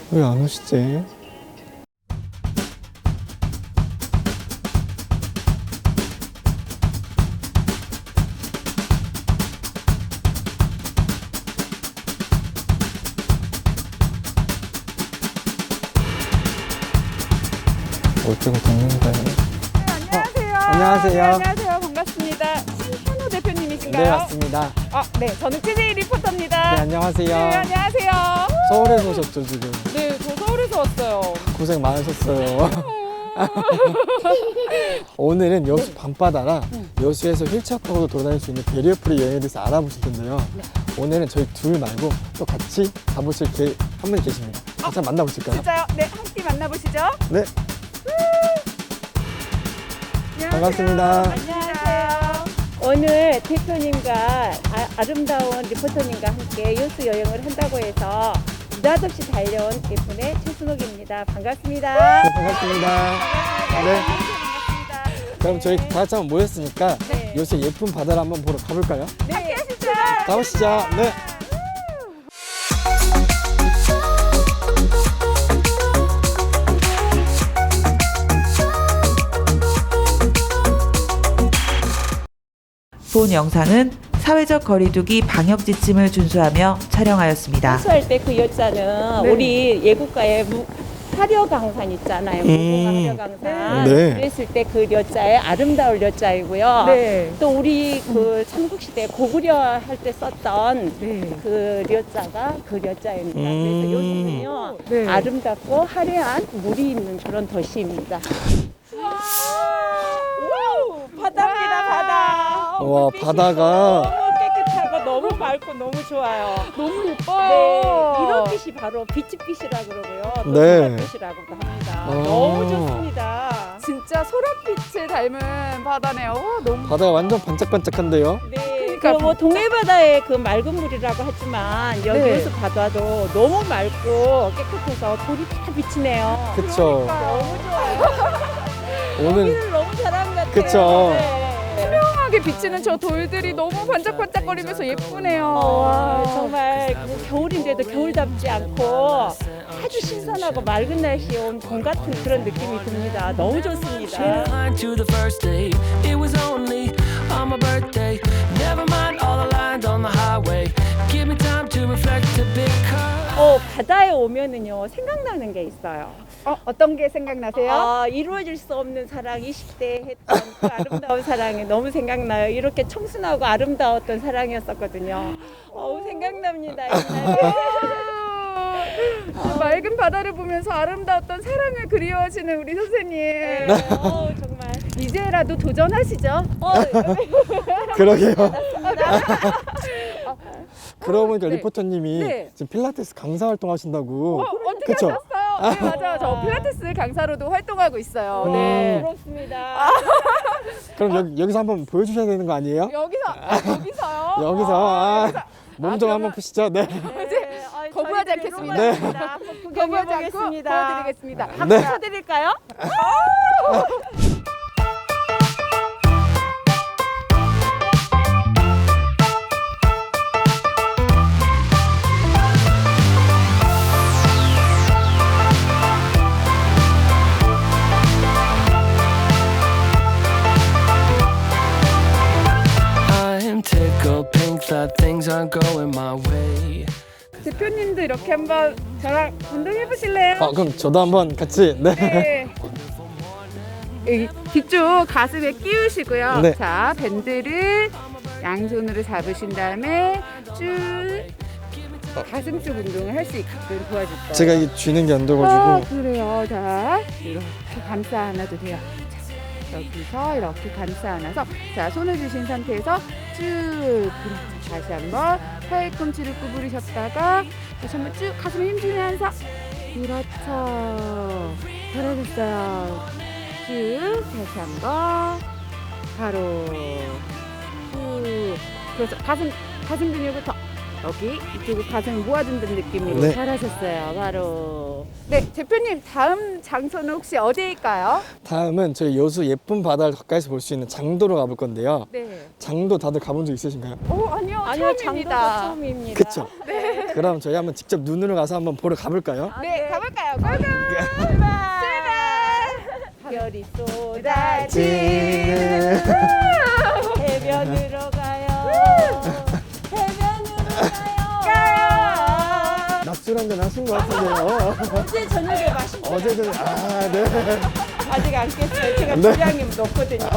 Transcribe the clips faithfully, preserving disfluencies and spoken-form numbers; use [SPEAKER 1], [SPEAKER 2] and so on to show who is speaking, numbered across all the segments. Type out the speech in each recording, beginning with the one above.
[SPEAKER 1] 왜 안 오시지? 올 때가 됐는데.
[SPEAKER 2] 안녕하세요.
[SPEAKER 1] 안녕하세요.
[SPEAKER 2] 네, 안녕하세요. 반갑습니다. 신현우 대표님이신가요?
[SPEAKER 1] 네, 맞습니다.
[SPEAKER 2] 아, 네. 저는 씨제이 리포터입니다.
[SPEAKER 1] 네, 안녕하세요.
[SPEAKER 2] 네, 안녕하세요.
[SPEAKER 1] 서울에서 오셨죠, 지금?
[SPEAKER 2] 네, 저 서울에서 왔어요.
[SPEAKER 1] 고생 많으셨어요. 오늘은 여수 밤바다랑 여수에서 휠체어 타고도 돌아다닐 수 있는 베리어프리 여행에 대해서 알아보실 텐데요.
[SPEAKER 2] 네.
[SPEAKER 1] 오늘은 저희 둘 말고 또 같이 가보실 게 한 분이 계십니다. 같이 한번 만나보실까요?
[SPEAKER 2] 진짜요? 네, 함께 만나보시죠.
[SPEAKER 1] 네,
[SPEAKER 2] 안녕하세요.
[SPEAKER 1] 반갑습니다.
[SPEAKER 2] 안녕하세요.
[SPEAKER 3] 오늘 대표님과 아, 아름다운 리포터님과 함께 여수 여행을 한다고 해서 느닷없이 달려온 예쁜의 최순옥입니다. 반갑습니다.
[SPEAKER 1] 네, 반갑습니다. 네,
[SPEAKER 2] 반갑습니다.
[SPEAKER 1] 그럼 저희 다 같이 한번 모였으니까
[SPEAKER 2] 네.
[SPEAKER 1] 여수의 예쁜 바다를 한번 보러 가볼까요?
[SPEAKER 2] 네, 함께 하시죠.
[SPEAKER 1] 가보시죠. 네.
[SPEAKER 4] 본 영상은 사회적 거리두기 방역 지침을 준수하며 촬영하였습니다.
[SPEAKER 3] 수할 때 그 여자는
[SPEAKER 2] 네.
[SPEAKER 3] 우리 예국가의 무, 화려강산 있잖아요. 무궁화 화려강산.
[SPEAKER 1] 네.
[SPEAKER 3] 그랬을 때 그 여자의 아름다울 여자이고요.
[SPEAKER 2] 네.
[SPEAKER 3] 또 우리 그 삼국시대 고구려 할 때 썼던
[SPEAKER 2] 네.
[SPEAKER 3] 그 려자가 그 려자입니다.
[SPEAKER 1] 음.
[SPEAKER 3] 그래서 요즘은요
[SPEAKER 2] 네.
[SPEAKER 3] 아름답고 화려한 물이 있는 그런 도시입니다.
[SPEAKER 2] 와우, 바다입니다, 바다.
[SPEAKER 1] 와,
[SPEAKER 3] 물빛이
[SPEAKER 1] 바다가
[SPEAKER 3] 너무 깨끗하고 너무 맑고 너무 좋아요.
[SPEAKER 2] 너무 예뻐요.
[SPEAKER 3] 네, 이런 빛이 바로 비치빛이라고 그러고요. 또
[SPEAKER 1] 네.
[SPEAKER 3] 소라빛이라고도 합니다.
[SPEAKER 1] 아.
[SPEAKER 3] 너무 좋습니다.
[SPEAKER 2] 진짜 소라빛을 닮은 바다네요. 와, 너무
[SPEAKER 1] 바다가 완전 반짝반짝한데요.
[SPEAKER 3] 네,
[SPEAKER 2] 그러니까
[SPEAKER 3] 그뭐 동해바다의 그 맑은 물이라고 하지만 여기
[SPEAKER 2] 네.
[SPEAKER 3] 여수 바다도 너무 맑고 깨끗해서 돌이 다 비치네요.
[SPEAKER 1] 그쵸.
[SPEAKER 3] 너무 좋아요.
[SPEAKER 1] 오늘
[SPEAKER 3] 여기를 너무 잘한 것 같아요.
[SPEAKER 1] 그쵸.
[SPEAKER 3] 네.
[SPEAKER 2] 투명하게 비치는 저 돌들이 너무 반짝반짝거리면서 예쁘네요.
[SPEAKER 3] 어,
[SPEAKER 2] 와.
[SPEAKER 3] 정말 그 겨울인데도 겨울답지 않고 아주 신선하고 맑은 날씨에 온 봄 같은 그런 느낌이 듭니다. 너무 좋습니다.
[SPEAKER 5] line to the first date. It was only on my birthday. Never mind all the lines on the highway. Give me time to reflect a bit.
[SPEAKER 3] 어, 바다에 오면은요 생각나는 게 있어요.
[SPEAKER 2] 어, 어떤 게 생각나세요?
[SPEAKER 3] 아, 이루어질 수 없는 사랑 이십 대 했던 그 아름다운 사랑이 너무 생각나요. 이렇게 청순하고 아름다웠던 사랑이었었거든요. 어우 생각납니다. 옛날에.
[SPEAKER 2] 아, 맑은 바다를 보면서 아름다웠던 사랑을 그리워하시는 우리 선생님.
[SPEAKER 3] 네, 어우, 정말.
[SPEAKER 2] 이제라도 도전하시죠.
[SPEAKER 3] 어,
[SPEAKER 1] 그러게요.
[SPEAKER 2] 아,
[SPEAKER 1] 그러고 보니까
[SPEAKER 2] 네.
[SPEAKER 1] 리포터님이
[SPEAKER 2] 네.
[SPEAKER 1] 지금 필라테스 강사 활동하신다고.
[SPEAKER 2] 어, 어떻게
[SPEAKER 1] 그쵸?
[SPEAKER 2] 하셨어요? 네, 맞아요. 저 필라테스 강사로도 활동하고 있어요.
[SPEAKER 1] 음.
[SPEAKER 2] 네.
[SPEAKER 3] 부럽습니다.
[SPEAKER 1] 그럼 여기, 여기서 한번 보여주셔야 되는 거 아니에요?
[SPEAKER 2] 여기서, 아, 여기서요?
[SPEAKER 1] 여기서
[SPEAKER 2] 아,
[SPEAKER 1] 아, 몸 좀
[SPEAKER 2] 아,
[SPEAKER 1] 한번 푸시죠. 네.
[SPEAKER 3] 네, 아이,
[SPEAKER 2] 거부하지
[SPEAKER 3] 저희
[SPEAKER 2] 않겠습니다.
[SPEAKER 3] 네. 한번
[SPEAKER 2] 거부하지 않고
[SPEAKER 3] 구경해보겠습니다.
[SPEAKER 2] 보여드리겠습니다.
[SPEAKER 3] 한번
[SPEAKER 1] 네.
[SPEAKER 3] 쳐드릴까요?
[SPEAKER 5] I'm tickled pink that things aren't going my way.
[SPEAKER 2] 대표님도 이렇게 한번 저랑 운동해 보실래요?
[SPEAKER 1] 어, 그럼 저도 한번 같이. 네.
[SPEAKER 2] 네. 여기 뒤쪽 가슴에 끼우시고요.
[SPEAKER 1] 네.
[SPEAKER 2] 자, 밴드를 양손으로 잡으신 다음에 쭉 가슴 쪽 운동을 할 수 있게끔 도와줄 거예요.
[SPEAKER 1] 제가 이게 쥐는 게 안
[SPEAKER 2] 아,
[SPEAKER 1] 돼가지고.
[SPEAKER 2] 그래요. 자, 이렇게 감싸 안아도 돼요. 자, 여기서 이렇게 감싸 안아서 자, 손을 주신 상태에서 쭉 그렇죠. 다시 한번 팔꿈치를 구부리셨다가 다시 한번 쭉 가슴에 힘주면서 그렇죠. 잘하셨어요. 쭉 다시 한번 바로 쭉 그렇죠. 가슴 가슴 근육을 더 여기 이쪽을 가슴을 모아준다는 느낌으로
[SPEAKER 1] 네.
[SPEAKER 2] 잘하셨어요. 바로. 네, 대표님 다음 장소는 혹시 어디일까요?
[SPEAKER 1] 다음은 저희 여수 예쁜 바다를 가까이서 볼 수 있는 장도로 가볼 건데요.
[SPEAKER 2] 네.
[SPEAKER 1] 장도 다들 가본 적 있으신가요?
[SPEAKER 2] 오, 아니요,
[SPEAKER 3] 아니요, 장도도
[SPEAKER 2] 처음입니다.
[SPEAKER 3] 처음입니다.
[SPEAKER 1] 그쵸? 네. 그럼 저희 한번 직접 눈으로 가서 한번 보러 가볼까요?
[SPEAKER 2] 네, 가볼까요? 고고! 출발! 별이 쏟아지는
[SPEAKER 3] 해변으로 가요. 해변으로 가요.
[SPEAKER 1] 낮술 한잔 하신 것 같은데요.
[SPEAKER 3] 어제 저녁에 마신 거
[SPEAKER 1] 어제 좀, 아, 네.
[SPEAKER 3] 아직 안 깼어요. 제가
[SPEAKER 1] 네.
[SPEAKER 3] 분량이 높거든요.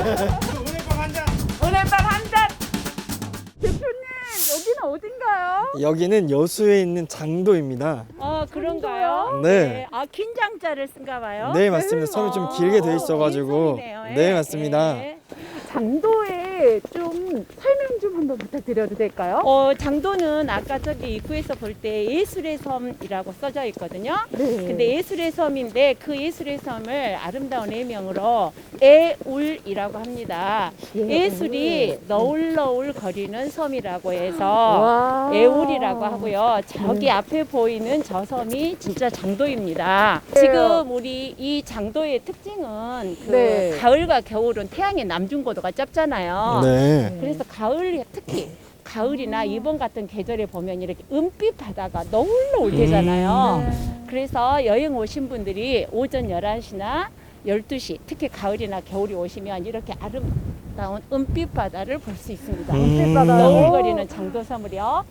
[SPEAKER 2] 오늘 밤 한 잔! 대표님, 여기는 어딘가요?
[SPEAKER 1] 여기는 여수에 있는 장도입니다.
[SPEAKER 3] 어, 그런가요?
[SPEAKER 1] 네.
[SPEAKER 3] 아, 긴장자를 쓴가 봐요.
[SPEAKER 1] 네, 맞습니다. 섬이 좀 길게 돼 있어가지고.
[SPEAKER 3] 긴 섬이네요.
[SPEAKER 1] 네,
[SPEAKER 3] 예,
[SPEAKER 1] 맞습니다.
[SPEAKER 3] 예.
[SPEAKER 2] 장도에 좀 설명 좀 한번 부탁드려도 될까요?
[SPEAKER 3] 어, 장도는 아까 저기 입구에서 볼 때 예술의 섬이라고 써져 있거든요.
[SPEAKER 2] 네.
[SPEAKER 3] 근데 예술의 섬인데 그 예술의 섬을 아름다운 애명으로 애울이라고 합니다. 예술이 너울너울 거리는 섬이라고 해서
[SPEAKER 2] 와.
[SPEAKER 3] 애울이라고 하고요. 저기
[SPEAKER 2] 네.
[SPEAKER 3] 앞에 보이는 저 섬이 진짜 장도입니다.
[SPEAKER 2] 네.
[SPEAKER 3] 지금 우리 이 장도의 특징은 그
[SPEAKER 2] 네.
[SPEAKER 3] 가을과 겨울은 태양의 남중고도가 짧잖아요.
[SPEAKER 1] 네.
[SPEAKER 3] 그래서 가을 특히 가을이나 이번 같은 계절에 보면 이렇게 은빛 바다가 너울너울 되잖아요.
[SPEAKER 2] 음.
[SPEAKER 3] 그래서 여행 오신 분들이 오전 열한 시나 열두 시 특히 가을이나 겨울이 오시면 이렇게 아름다운 은빛 바다를 볼 수 있습니다.
[SPEAKER 1] 음.
[SPEAKER 3] 너울거리는 장도섬을요.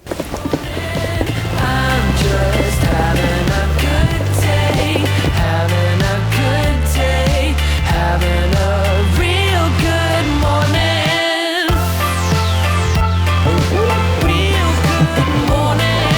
[SPEAKER 5] I'm just having a good day, having a good day, having a real good morning. Real good morning.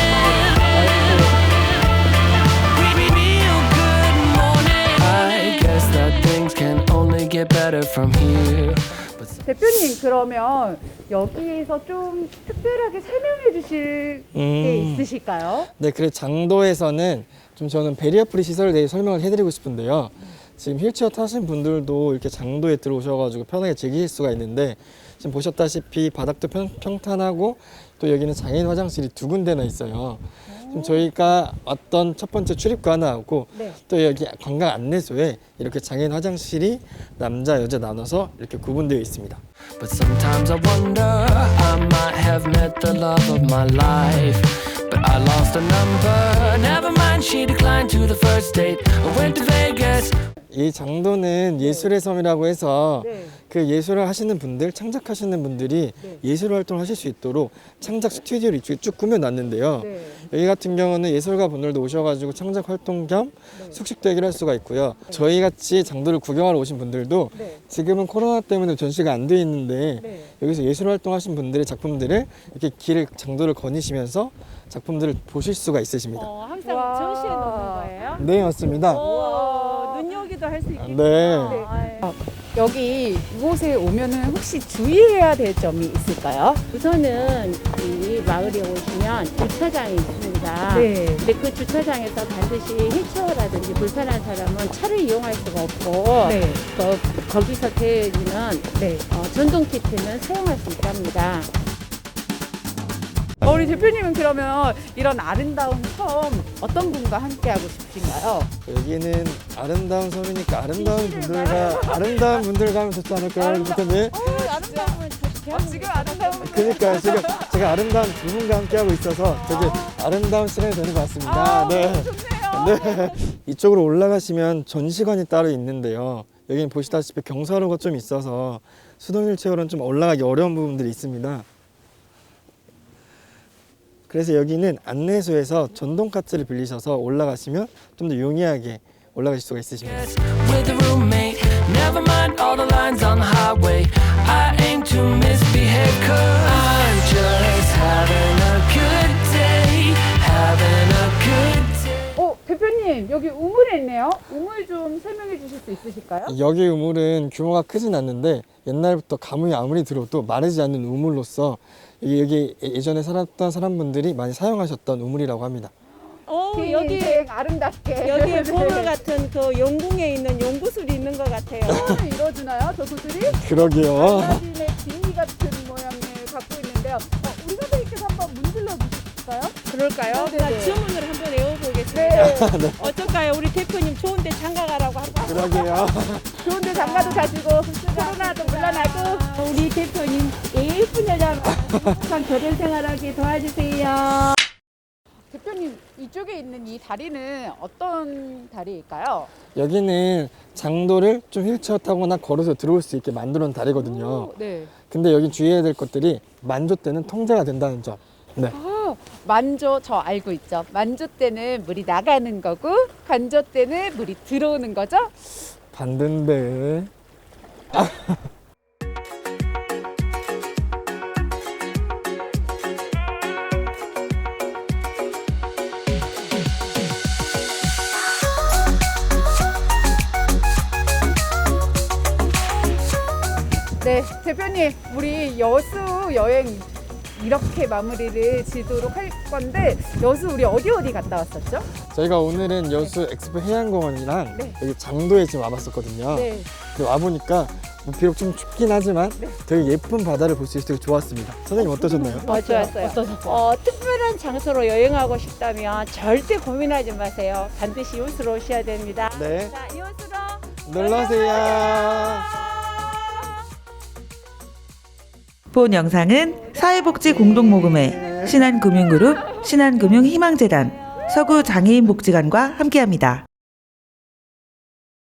[SPEAKER 5] Re- Real good morning. I guess that things can only get better from here. But
[SPEAKER 2] 대표님, 그러면 여기에서 좀 특별하게 설명해 주실 게
[SPEAKER 1] 음.
[SPEAKER 2] 있으실까요?
[SPEAKER 1] 네, 그래서 장도에서는 좀 저는 베리어 프리 시설에 대해 설명을 해드리고 싶은데요. 지금 휠체어 타신 분들도 이렇게 장도에 들어오셔가지고 편하게 즐기실 수가 있는데 지금 보셨다시피 바닥도 평, 평탄하고 또 여기는 장애인 화장실이 두 군데나 있어요. 지금 저희가 왔던 첫 번째 출입관하고
[SPEAKER 2] 네.
[SPEAKER 1] 또 여기 관광 안내소에 이렇게 장애인 화장실이 남자 여자 나눠서 이렇게 구분되어 있습니다.
[SPEAKER 5] But sometimes I wonder, I might have met the love of my life. But I lost a number. Never mind, she declined to the first date. I went to Vegas.
[SPEAKER 1] 이 장도는 예술의 섬이라고 해서
[SPEAKER 2] 네.
[SPEAKER 1] 그 예술을 하시는 분들, 창작하시는 분들이
[SPEAKER 2] 네.
[SPEAKER 1] 예술 활동을 하실 수 있도록 창작 스튜디오를 이쪽에 쭉 꾸며놨는데요.
[SPEAKER 2] 네.
[SPEAKER 1] 여기 같은 경우는 예술가 분들도 오셔가지고 창작 활동 겸
[SPEAKER 2] 네.
[SPEAKER 1] 숙식 대기를 할 수가 있고요. 저희 같이 장도를 구경하러 오신 분들도
[SPEAKER 2] 네.
[SPEAKER 1] 지금은 코로나 때문에 전시가 안 돼 있는데
[SPEAKER 2] 네.
[SPEAKER 1] 여기서 예술 활동하신 분들의 작품들을 이렇게 길을 장도를 거니시면서 작품들을 보실 수가 있으십니다.
[SPEAKER 3] 어, 항상
[SPEAKER 2] 와.
[SPEAKER 3] 전시해 놓는 거예요.
[SPEAKER 1] 네, 맞습니다.
[SPEAKER 3] 오, 눈여기도 할 수 있겠군요.
[SPEAKER 1] 네.
[SPEAKER 3] 아유.
[SPEAKER 2] 여기 이곳에 오면은 혹시 주의해야 될 점이 있을까요?
[SPEAKER 3] 우선은 이 마을에 오시면 주차장이 있습니다.
[SPEAKER 2] 네.
[SPEAKER 3] 근데 그 주차장에서 반드시 휠체어라든지 불편한 사람은 차를 이용할 수가 없고
[SPEAKER 2] 네.
[SPEAKER 3] 거, 거기서 대해지는
[SPEAKER 2] 네.
[SPEAKER 3] 어, 전동 키트는 사용할 수 있답니다.
[SPEAKER 2] 어, 우리 대표님은 그러면 이런 아름다운 섬 어떤 분과 함께 하고 싶으신가요?
[SPEAKER 1] 여기는 아름다운 섬이니까 아름다운 분들과 아름다운 분들과 하면 좋지 않을까요?
[SPEAKER 2] 아름다-
[SPEAKER 1] 대표님?
[SPEAKER 3] 아름다움은
[SPEAKER 2] 어, 지금 아름다운 분.
[SPEAKER 1] 그러니까 지금 제가 아름다운 두 분과 함께 하고 있어서 되게 아름다운 시간이 되는 것 같습니다.
[SPEAKER 2] 아,
[SPEAKER 1] 네.
[SPEAKER 2] 좋네요.
[SPEAKER 1] 네. 이쪽으로 올라가시면 전시관이 따로 있는데요. 여기는 보시다시피 경사로가 좀 있어서 수동 휠체어로는 좀 올라가기 어려운 부분들이 있습니다. 그래서 여기는 안내소에서 전동 카트를 빌리셔서 올라가시면 좀 더 용이하게 올라가실 수가 있으십니다.
[SPEAKER 5] With a roommate. Never mind all the lines on the highway. I aim to misbehave, cause I'm just having a good day. Having a good day.
[SPEAKER 2] 어, 대표님 여기 우물이 있네요. 우물 좀 설명해 주실 수 있으실까요?
[SPEAKER 1] 여기 우물은 규모가 크진 않는데 옛날부터 가뭄이 아무리 들어도 마르지 않는 우물로서 여기, 여기 예전에 살았던 사람분들이 많이 사용하셨던 우물이라고 합니다.
[SPEAKER 3] 오,
[SPEAKER 2] 긴
[SPEAKER 3] 여기
[SPEAKER 2] 인생 아름답게
[SPEAKER 3] 여기에 보물 같은 그 용궁에 있는 용구술이 있는 것 같아요.
[SPEAKER 2] 꿈을 이뤄주나요, 저 구슬이?
[SPEAKER 1] 그러게요.
[SPEAKER 2] 알라딘의 지니 같은 모양을 갖고 있는데요. 어, 우리 선생님께서 한번 문질러 주시죠. 있을까요?
[SPEAKER 3] 그럴까요?
[SPEAKER 2] 네,
[SPEAKER 3] 나
[SPEAKER 2] 네.
[SPEAKER 3] 주문을 한번 외워보겠습니다.
[SPEAKER 2] 네.
[SPEAKER 3] 어떨까요? 우리 대표님 좋은데 장가 가라고 한번.
[SPEAKER 1] 그러게요.
[SPEAKER 2] 좋은데 장가도 가시고
[SPEAKER 3] 코로나도 물러나고 우리 대표님 예쁜 여자로 항상 결혼 생활하게 도와주세요.
[SPEAKER 2] 대표님 이쪽에 있는 이 다리는 어떤 다리일까요?
[SPEAKER 1] 여기는 장도를 좀 휠체어 타거나 걸어서 들어올 수 있게 만들어 놓은 다리거든요.
[SPEAKER 2] 오, 네.
[SPEAKER 1] 근데 여기 주의해야 될 것들이 만조 때는 통제가 된다는 점. 네.
[SPEAKER 2] 아, 만조 저 알고 있죠. 만조 때는 물이 나가는 거고 간조 때는 물이 들어오는 거죠.
[SPEAKER 1] 반대인데.
[SPEAKER 2] 네, 대표님, 우리 여수 여행 이렇게 마무리를 지도록 할 건데 여수 우리 어디 어디 갔다 왔었죠?
[SPEAKER 1] 저희가 오늘은 여수 엑스포 해양공원이랑
[SPEAKER 2] 네.
[SPEAKER 1] 여기 장도에 지금 와봤었거든요.
[SPEAKER 2] 네.
[SPEAKER 1] 근데 와보니까 뭐 비록 좀 춥긴 하지만
[SPEAKER 2] 네.
[SPEAKER 1] 되게 예쁜 바다를 볼 수 있어서 되게 좋았습니다. 선생님 어떠셨나요?
[SPEAKER 3] 어, 좋았어요.
[SPEAKER 2] 어떠셨어요?
[SPEAKER 3] 어, 특별한 장소로 여행하고 싶다면 절대 고민하지 마세요. 반드시 이웃으로 오셔야 됩니다.
[SPEAKER 1] 네.
[SPEAKER 3] 자, 이웃으로
[SPEAKER 1] 놀러오세요.
[SPEAKER 4] 본 영상은 사회복지공동모금회 신한금융그룹 신한금융희망재단 서구장애인복지관과 함께합니다.